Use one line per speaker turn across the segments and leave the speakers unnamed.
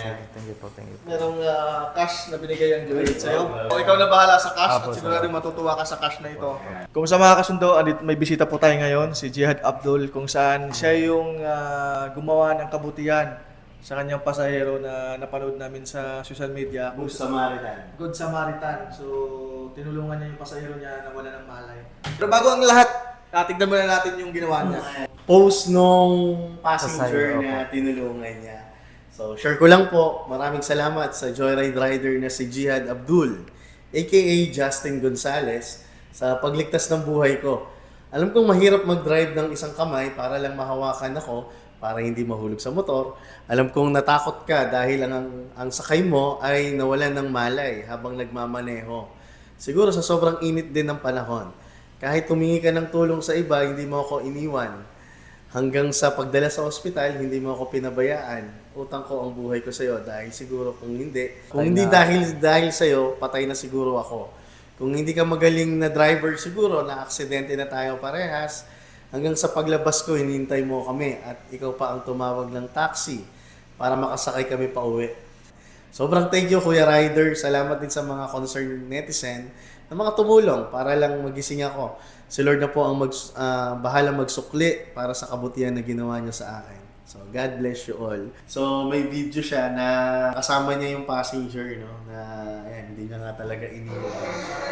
Thank you po, thank you.
Merong cash na binigay ang Joyride sa'yo. O ikaw na bahala sa cash at sigurado matutuwa ka sa cash na ito. Kung sa mga kasundo, may bisita po tayo ngayon, si Jihad Abdul, kung saan siya yung gumawa ng kabutihan sa kanyang pasahero na napanood namin sa social media.
Good Samaritan.
Good Samaritan. So, tinulungan niya yung pasahero niya na wala ng malay. Pero bago ang lahat, tignan muna natin yung ginawa niya.
Post nung passenger
Pasahero,
na tinulungan niya. So, share ko lang po, maraming salamat sa Joyride rider na si Jihad Abdul, aka Justin Gonzales, sa pagligtas ng buhay ko. Alam kong mahirap mag-drive ng isang kamay para lang mahawakan ako, para hindi mahulog sa motor. Alam kong natakot ka dahil ang sakay mo ay nawalan ng malay habang nagmamaneho. Siguro sa sobrang init din ng panahon. Kahit tumingi ka ng tulong sa iba, hindi mo ako iniwan. Hanggang sa pagdala sa ospital, hindi mo ako pinabayaan. Utang ko ang buhay ko sa iyo dahil siguro kung hindi dahil sa iyo, patay na siguro ako. Kung hindi ka magaling na driver siguro, na aksidente na tayo parehas. Hanggang sa paglabas ko, hinihintay mo kami at ikaw pa ang tumawag ng taxi para makasakay kami pa uwi. Sobrang thank you, Kuya Rider. Salamat din sa mga concerned netizen na mga tumulong para lang magising ako. Si Lord na po ang bahala magsukli para sa kabutihan na ginawa niya sa akin. So, God bless you all. So, may video siya na kasama niya yung passenger, no? Na, ayan, hindi niya nga talaga iniwan.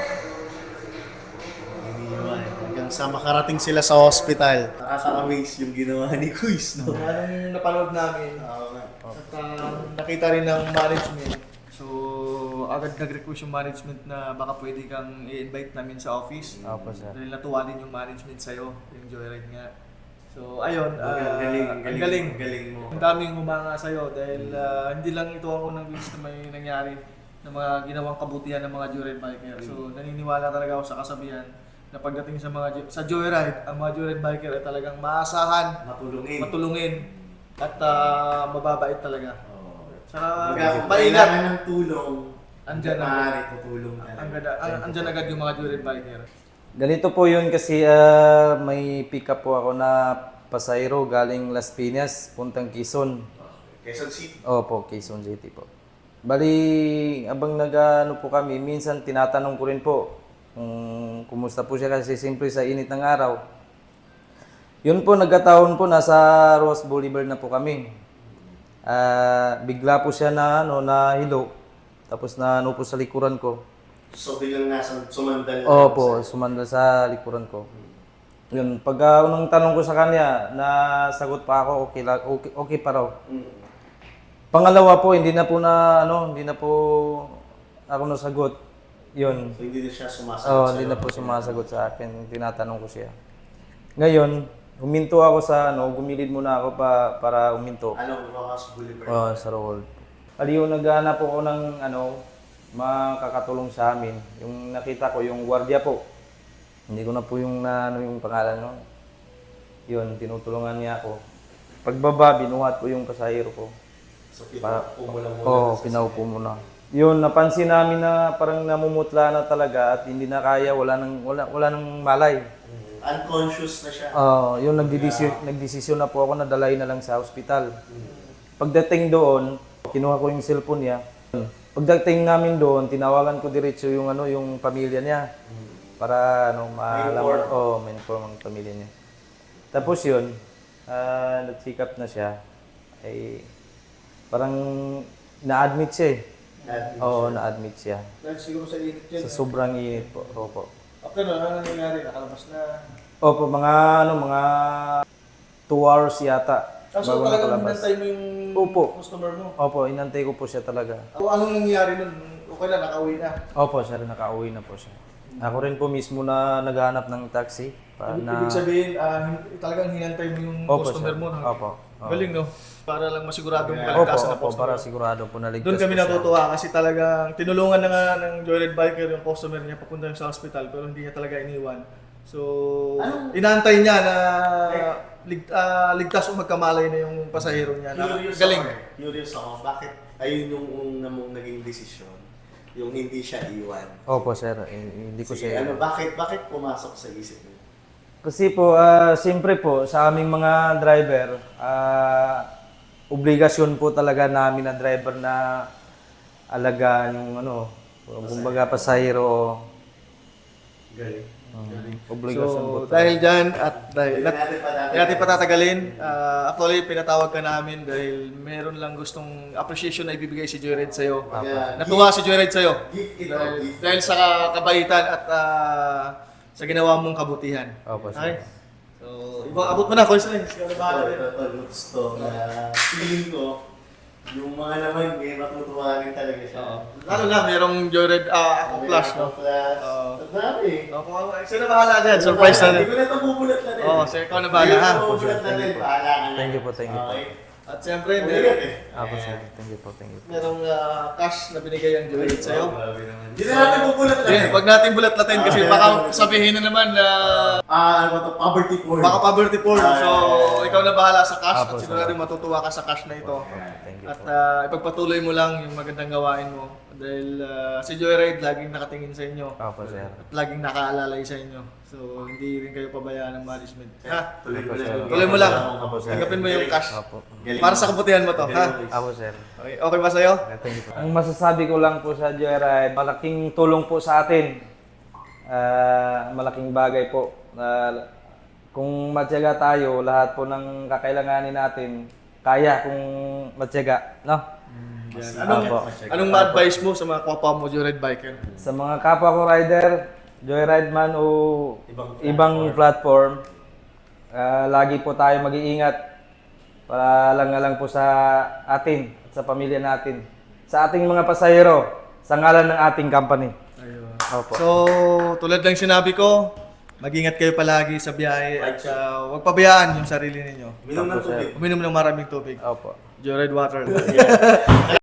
Hanggang sa makarating sila sa hospital. Nakaka-amaze yung ginawa ni Kuis, no?
Anong napanood namin, at nakita rin ng management. So, agad nag-request yung management na baka pwede kang i-invite namin sa office.
Opo, sir.
Dahil natuwa din yung management sa'yo, yung Joyride nga. So, ayun, ang
galing mo.
Ang daming humanga sa'yo dahil hindi lang ito ang unang beses na may nangyari na mga ginawang kabutihan ng mga Joyride biker. So, naniniwala talaga ako sa kasabihan na pagdating sa Joyride, ang mga Joyride biker ay talagang maasahan, matulungin at mababait talaga. Saka maingat
ng tulong.
Andyan
tutulong
andyan agad yung mga Joyride biker.
Ganito po yun kasi may pick up po ako na pasahero galing Las Piñas, puntang Quezon.
Quezon City?
Opo, Quezon City po. Bali, abang nag-ano po kami, minsan tinatanong ko rin po kung kumusta po siya kasi siyempre sa init ng araw. Yun po, nagkataon po, nasa Ross Boulevard na po kami. Bigla po siya na hilo, tapos na po sa likuran ko.
So, biglang sumandal.
Opo, sumandal sa likuran ko. Yun, pag unang tanong ko sa kanya, nasagot pa ako, okay pa raw. Pangalawa po, hindi na po ako nasagot. Yun.
So, hindi na siya sumasagot
hindi na po sumasagot sa akin. Tinatanong ko siya. Ngayon, huminto ako gumilid muna ako para huminto.
Anong Rojas Boulevard?
Sa Roll. Aliw, naghahanap ako ng makakatulong sa amin. Yung nakita ko, yung gwardiya po. Hindi ko na po yung pangalan nun. Yun, tinutulungan niya ako. Pagbaba, binuhat ko yung pasahero ko.
So, pinaupo mo lang muna.
Oo, pinaupo mo na. Yun, napansin namin na parang namumutla na talaga at hindi na kaya, wala nang malay.
Unconscious na siya.
Yun, nagdesisyon na po ako na dalay na lang sa ospital. Pagdating doon, kinuha ko yung cellphone niya. Pagdating namin doon, tinawagan ko diretso yung yung pamilya niya para ma-inform ang pamilya niya. Tapos yun, nag-check up na siya. Ay parang na-admit siya eh. Na-admit siya.
Dahil siguro sa init yun.
Sa sobrang init po. Opo.
After nun, ano nangyari? Nakalabas na.
Opo, mga 2 hours yata.
So
bago
talagang
nakalabas.
hinantay mo yung customer mo?
Opo, inantay ko po siya talaga.
Anong nangyari nun? Okay na, nakauwi na.
Opo, sir, nakauwi na po siya. Ako rin po mismo na naghahanap ng taxi.
Ibig sabihin, talagang hinantay mo yung customer
sir.
mo.
Opo.
Galing, no? Para lang masiguradong kaligtasan na
Opo,
customer.
para sigurado po naligtas
Doon kami
po siya.
natutuwa kasi talagang tinulungan na nga ng Joyride biker yung customer niya papunta sa hospital pero hindi niya talaga iniwan. So, inaantay niya na ligtas o magkamalay na yung pasahero niya. Galing.
Curious ako, bakit ayun yung una mong naging desisyon? Yung hindi siya iwan?
Opo, sir. Hindi ko
Sige,
siya...
bakit pumasok sa isip mo?
Kasi po, siyempre po, sa aming mga driver, obligasyon po talaga namin na driver na alagaan yung ano, kumbaga pasahero.
Galing.
Obligasyon po
So, dahil dyan at dahil
Hindi natin patatagalin.
hindi natin patatagalin, actually pinatawag ka namin dahil meron lang gustong appreciation na ibibigay si Joyride sa'yo.
Kaya,
Natuwa si Joyride sa'yo.
gift ito,
Dahil,
gift.
dahil sa kabaitan at sa ginawa mong kabutihan.
Opo, sir.
Okay? So, abot mo na, Constance. Ikaw na bahala rin.
Ito, looks to, na feeling ko, yung mga naman, matutuwa rin talaga siya.
Lalo na, merong Joyride ako plus, no?
Plus.
Oo.
Ang dami.
Sino na bahala dyan? Surprise na
Hindi
rin.
ko na ito bubulat na rin.
Oo, so ikaw na bahala, ha?
Hindi ko bubulat na rin. Bahala ka na.
Thank you po, thank you po.
Okay.
At siyempre,
Umigat eh.
Opo, sir. Thank you po, thank you po.
merong cash na binigay ang Joyride sa'yo.
Grabe naman. Hindi na natin bubulat na rin.
Wag natin bulat-latin kasi baka sabihin na naman na
Ano ba ito? Poverty porn.
baka poverty porn. So, ikaw na bahala sa cash
Apo,
at
sir.
sigurado matutuwa ka sa cash na ito.
Thank you
At
po.
ipagpatuloy mo lang yung magandang gawain mo. Dahil si Joyride laging nakatingin sa inyo.
Opo, sir.
At laging nakaalalay sa inyo. So, hindi rin kayo pabayaan ng management. Ha?
Tuloy mo lang.
Tuloy mo lang.
Opo, sir.
Tanggapin mo yung cash.
Opo.
Galing.
Para sa kabutihan mo to. Ha?
Opo, sir.
Okay, okay ba sa'yo?
Thank you po. Ang masasabi ko lang po sa Joyride, malaking tulong po sa atin. Malaking bagay po. Kung matyaga tayo, lahat po ng kakailanganin natin, kaya kung matyaga. No?
Anong ma-advise mo sa mga kapwa mo Joyride biker?
Sa mga kapwa ko rider, joyride man o ibang platform, lagi po tayo mag-iingat para lang po sa atin at sa pamilya natin. Sa ating mga pasahero, sa ngalan ng ating company.
Ayun.
Opo.
So, tulad ng sinabi ko, mag-ingat kayo palagi sa biyahe at huwag pabayaan yung sarili ninyo.
Minom ng tubig.
Uminom ng maraming tubig.
Opo.
Joyride water.